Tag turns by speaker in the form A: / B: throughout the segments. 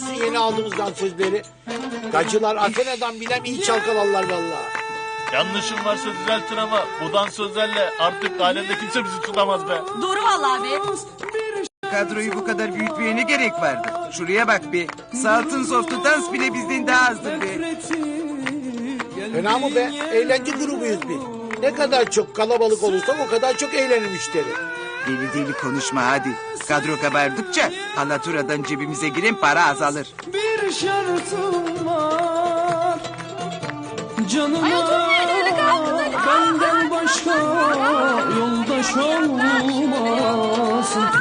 A: musun yeni aldığımızdan sözleri? Gacılar Athena'dan bilem iyi çalkalarlar vallahi.
B: Yanlışım varsa düzeltin ama bu dansözlerle artık alemde kimse bizi tutamaz be.
C: Doğru vallahi be.
D: Kadroyu bu kadar büyütmeye ne gerek vardı? Şuraya bak be. Saltın softu dans bile bizden daha azdır be.
A: Fena mı be? Eğlence grubuyuz biz. Ne kadar çok kalabalık olursak o kadar çok eğlenir müşteri.
D: Deli deli konuşma hadi. Kadro kabardıkça halaturadan cebimize giren para azalır.
E: Bir şartım var. Canıma
C: Ay oturmayın öyle kalkın.
E: benden başka yoldaş olmasın.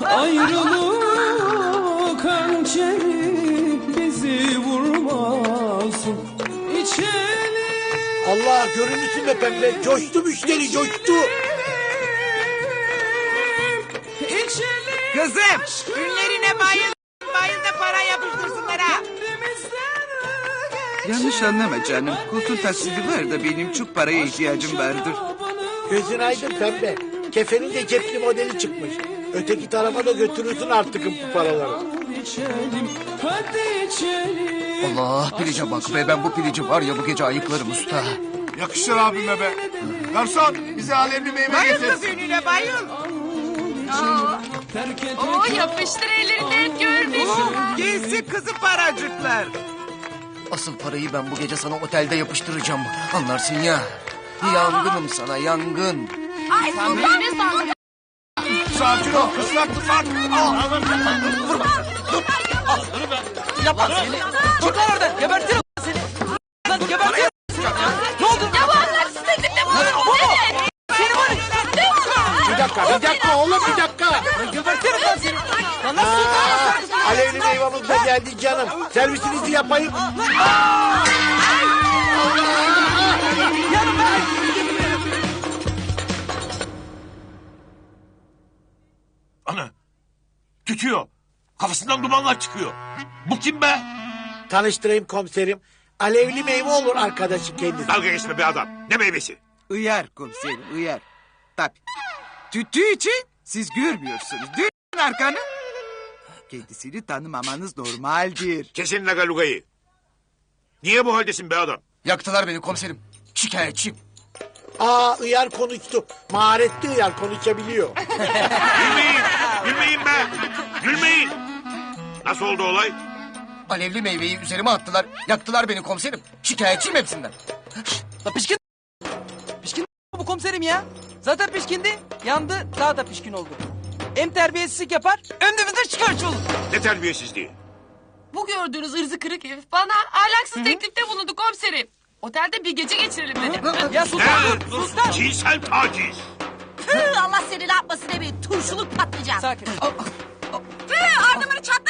E: Ayrılık hançeri bizi vurmasın. İçelim.
A: Allah görünürsün be pembe. Coştu müşteri coştu.
D: Kızım ünlerine bayıl. Bayıl da para yapıştırsınlar ha. Yanlış anlama canım. Koltuğun taksidi var da benim çok paraya ihtiyacım vardır.
A: Gözün aydın pembe. Kefenin de cepli modeli çıkmış. Öteki tarafa da götürürsün artık bu paraları.
E: İçelim, hadi içelim.
F: Allah pilice bak be, ben bu pilici var ya bu gece ayıklarım usta.
B: Yakışır abime be. Garson bize alemli meyve
D: Bayıl
B: getir.
D: kız önüne bayıl.
E: Terk et.
C: Oo yapıştır ellerinden görmüş.
D: Gelsin kızım paracıklar.
F: Asıl parayı ben bu gece sana otelde yapıştıracağım. Anlarsın ya. Yangınım sana yangın.
C: Ay sultan ne sandın?
B: Sakin ol. Islak ıslak.
F: Yapma seni. Çık lan oradan gebertirim seni. Lan gebertirim. Ne oldu?
C: Ya bu ahlaksız teklifte bulundun. Evet.
F: Seni var ya.
A: Bir dakika oğlum bir dakika.
F: Gebertirim lan seni. Lan
A: Aa,
F: nasıl?
A: alevli meyvamız da geldi canım. Servisinizi yapayım.
B: Ana. Tütüyor. Kafasından dumanlar çıkıyor. Bu kim be?
A: Tanıştırayım komiserim. Alevli meyve olur arkadaşı kendisi.
B: Dalga geçme be adam. Ne meyvesi?
D: Uyar komiserim uyar. Tabii. Tüttüğü için siz görmüyorsunuz. Dönün arkanı. Kendisini tanımamanız normaldir.
B: Kesin lagalugayı. Niye bu haldesin be adam?
F: Yaktılar beni komiserim. Şikayetçiyim.
A: Aa Iyar konuştu. Maharetli Iyar konuşabiliyor.
B: Gülmeyin. Gülmeyin be. Gülmeyin. Nasıl oldu olay?
F: Alevli meyveyi üzerime attılar. Yaktılar beni komiserim. Şikayetçiyim hepsinden.
G: La pişkin. Pişkin bu komiserim ya. Zaten pişkindi. Yandı daha da pişkin oldu. Hem terbiyesizlik yapar hem de bizden şikayetçi olur.
B: Ne terbiyesizliği?
C: Bu gördüğünüz ırzı kırık herif bana ahlaksız teklifte bulundu komiserim. Otelde bir gece geçirelim dedi.
G: Ya sultan dur. Sultan.
B: Cinsel taciz.
C: Allah seni ne yapmasın evi. Turşuluk patlayacağım.
G: Sakin.
C: Ardımını çatla.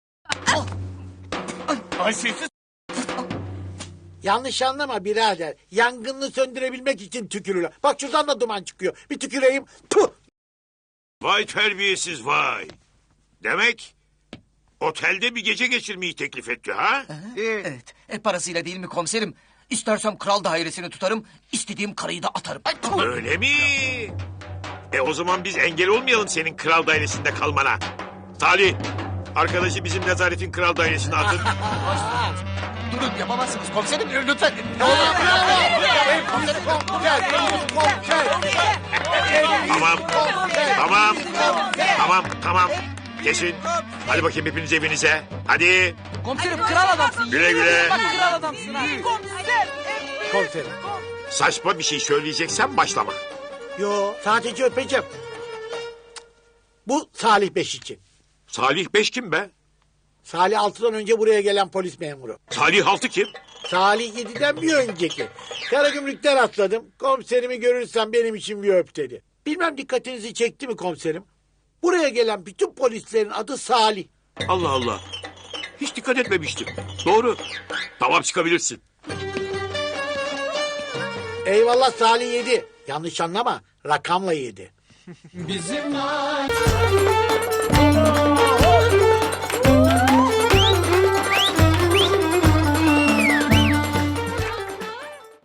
B: Haysiyetsiz.
A: Yanlış anlama birader. Yangını söndürebilmek için tükürürler. Bak şuradan da duman çıkıyor. Bir tüküreyim. Puh!
B: Vay terbiyesiz vay. Demek otelde bir gece geçirmeyi teklif etti ha?
F: Evet. Parasıyla değil mi komiserim? İstersem kral dairesini tutarım. İstediğim karıyı da atarım.
B: Öyle mi? O zaman biz engel olmayalım senin kral dairesinde kalmana. Salih, arkadaşı bizim nezaretin kral dairesine atın.
F: Durun yapamazsınız komiserim lütfen.
B: Tamam, tamam, tamam. Geçin. Hadi bakayım hepiniz evinize. Hadi.
G: Komiserim kral adamsın.
B: Güle güle.
G: Bak kral adamsın ha.
A: Komiserim.
B: Saçma bir şey söyleyeceksen başlama.
A: Yo sadece öpeceğim. Bu Salih Beş için.
B: Salih Beş kim be?
A: Salih 6'dan önce buraya gelen polis memuru.
B: Salih Altı kim?
A: Salih 7'den bir önceki. Karagümrük'ten atladım. Komiserimi görürsen benim için bir öp dedi. Bilmem dikkatinizi çekti mi komiserim? Buraya gelen bütün polislerin adı Salih.
B: Allah Allah. Hiç dikkat etmemiştim. Doğru. Tamam çıkabilirsin.
A: Eyvallah Salih 7. Yanlış anlama rakamla 7.
E: Bizim